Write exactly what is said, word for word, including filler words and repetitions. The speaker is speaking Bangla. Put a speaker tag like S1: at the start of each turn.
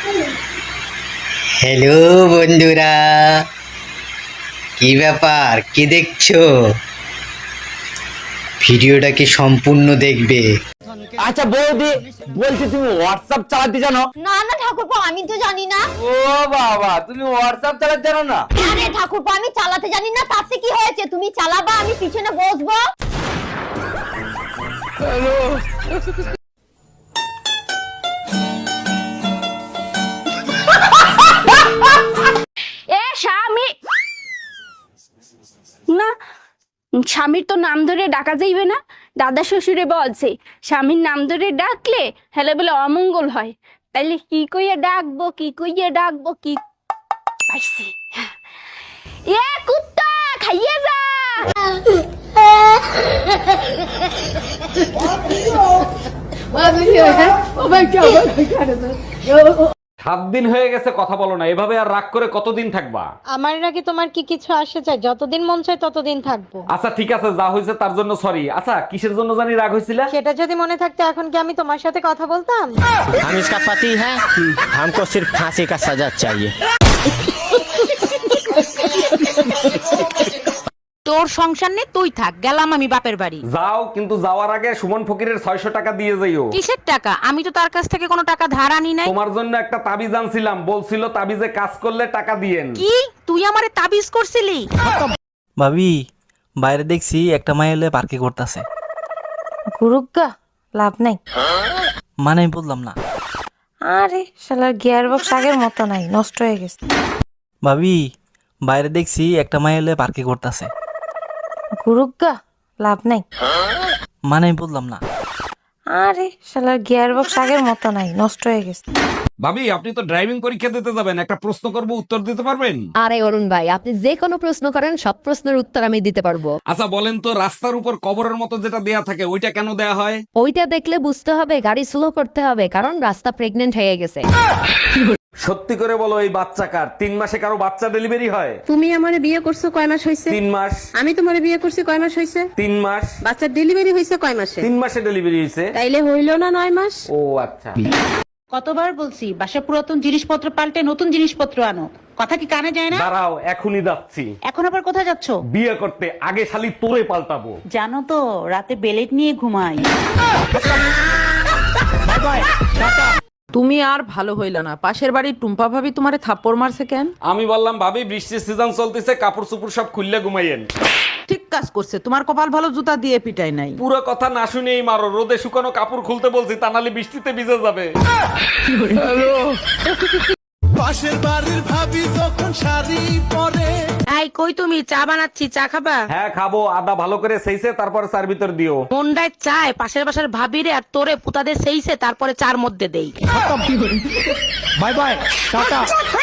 S1: হ্যালো বন্ধুরা, কি ব্যাপার, কি দেখছো? ভিডিওটাকে সম্পূর্ণ দেখবে।
S2: আচ্ছা বৌদি, বলছি তুমি হোয়াটসঅ্যাপ চালাতে জানো?
S3: না না ঠাকুরপো, আমি তো জানি না।
S2: ও বাবা, তুমি হোয়াটসঅ্যাপ চালাতে জানো না?
S3: আরে ঠাকুরপো, আমি চালাতে জানি না, তাতে কি হয়েছে? তুমি চালাবা, আমি পিছনে বসবো।
S2: হ্যালো।
S4: এ স্বামী না, স্বামীর তো নাম ধরে ডাকা যাইবে না। দাদা শ্বশুরে বলছে স্বামীর নাম ধরে ডাকলে হেলে বলে অমঙ্গল হয়। তাইলে কি কইয়া ডাকবো, কি কইয়া ডাকবো, কি পাইছি। এ কুত্তা খাইয়ে যা।
S5: সাত দিন হয়ে গেছে কথা বলো না, এভাবে আর রাগ করে কতদিন থাকবা?
S6: আমার নাকি তোমার কি কিছু আসে চাই? যতদিন মন চায় ততদিন থাকবো।
S5: আচ্ছা ঠিক আছে, যা হয়েছে তার জন্য সরি। আচ্ছা কিসের জন্য জানি রাগ হয়েছিল?
S6: সেটা যদি মনে থাকতো এখন কি আমি তোমার সাথে কথা বলতাম?
S7: हम इसका पति है, हमको सिर्फ फांसी का सजा चाहिए।
S8: তোর সংসার নেই, তুই থাক, গেলাম আমি বাপের বাড়ি।
S5: যাও, কিন্তু যাওয়ার আগে সুমন ফকিরের ছয়শ টাকা দিয়ে যাইও।
S8: কিসের টাকা? আমি তো তার কাছ থেকে কোনো টাকা ধার আনি নাই।
S5: তোমার জন্য একটা তাবিজ আনছিলাম, বলছিল তাবিজে কাজ করলে টাকা দিয়েন।
S8: কি তুই আমারে তাবিজ করছিলি?
S9: ভাবি, বাইরে দেখছি একটা মাই এলে পার্কে করতেছে।
S6: গুরুগা লাভ নাই।
S9: মানে আমি বললাম না।
S6: আরে শালার গিয়ার বক্স আগের মতো নাই, নষ্ট হয়ে গেছে।
S9: ভাবি, বাইরে দেখছি একটা মাই এলে পার্কে করতেছে।
S6: গুরুগা লাভ নাই।
S9: মানে আমি বললাম না।
S6: আরে শালার গিয়ার বক্স আগের মতো নাই, নষ্ট হয়ে গেছে।
S5: ভাবি, আপনি তো ড্রাইভিং পরীক্ষা দিতে যাবেন, একটা প্রশ্ন করব, উত্তর দিতে পারবেন?
S10: আরে অরুণ ভাই, আপনি যে কোনো প্রশ্ন করেন, সব প্রশ্নের উত্তর আমি দিতে পারবো।
S5: আচ্ছা বলেন তো, রাস্তার উপর কবরের মতো যেটা দেয়া থাকে ওইটা কেন দেয়া হয়?
S10: ওইটা দেখলে বুঝতে হবে গাড়ি স্লো করতে হবে, কারণ রাস্তা প্রেগনেন্ট হয়ে গেছে।
S5: সত্যি করে বলো, এই বাচ্চা কার? তিন মাসে কারো বাচ্চা ডেলিভারি হয়?
S6: তুমি আমারে বিয়ে করছো কয় মাস হইছে?
S5: তিন মাস।
S6: আমি তোমারে বিয়ে করছি কয় মাস হইছে?
S5: তিন মাস।
S6: বাচ্চার ডেলিভারি হইছে কয় মাসে?
S5: তিন মাসে ডেলিভারি হয়েছে।
S6: তাইলে হইলো না নয় মাস?
S5: ও আচ্ছা।
S8: কতবার বলছি বাসা পুরাতন জিনিসপত্র পাল্টে নতুন জিনিসপত্র আনো, কথা কি কানে যায় না?
S5: দাঁড়াও, এখনই যাচ্ছি।
S8: এখন আবার কোথায় যাচ্ছ?
S5: বিয়ে করতে। আগে শালি তোরে পাল্টাবো।
S8: জানো তো রাতে বেলেট নিয়ে ঘুমাই।
S11: তুমি আর ভালো হইল না, পাশের বাড়ির টুম্পা ভাবি তোমারে থাপ্পড় মারছে কেন?
S5: আমি বললাম ভাবি বৃষ্টির সিজন চলতেছে, কাপড় চোপড় সব খুললে ঘুমাইয়েন।
S11: ঠিক কাজ করছে, তোমার কপাল ভালো জুতা দিয়ে পিটাই নাই।
S5: পুরো কথা না শুনেই মারো, রোদে শুকানো কাপড় খুলতে বলছি, তা নাহলে বৃষ্টিতে ভিজে যাবে।
S2: পাশের বাড়ির ভাবি যখন শাড়ি পরে।
S8: এই কই তুমি? চা বানাচ্ছি, চা খাবা?
S5: হ্যাঁ খাবো, আদা ভালো করে সেইছে তারপরে চার ভিতর দিও।
S8: মন্ডায় চায় পাশের বাসার ভাবিরে আর তোরে পুতাদের সেইছে তারপরে চার মধ্যে দেই।
S2: Bye bye, tata.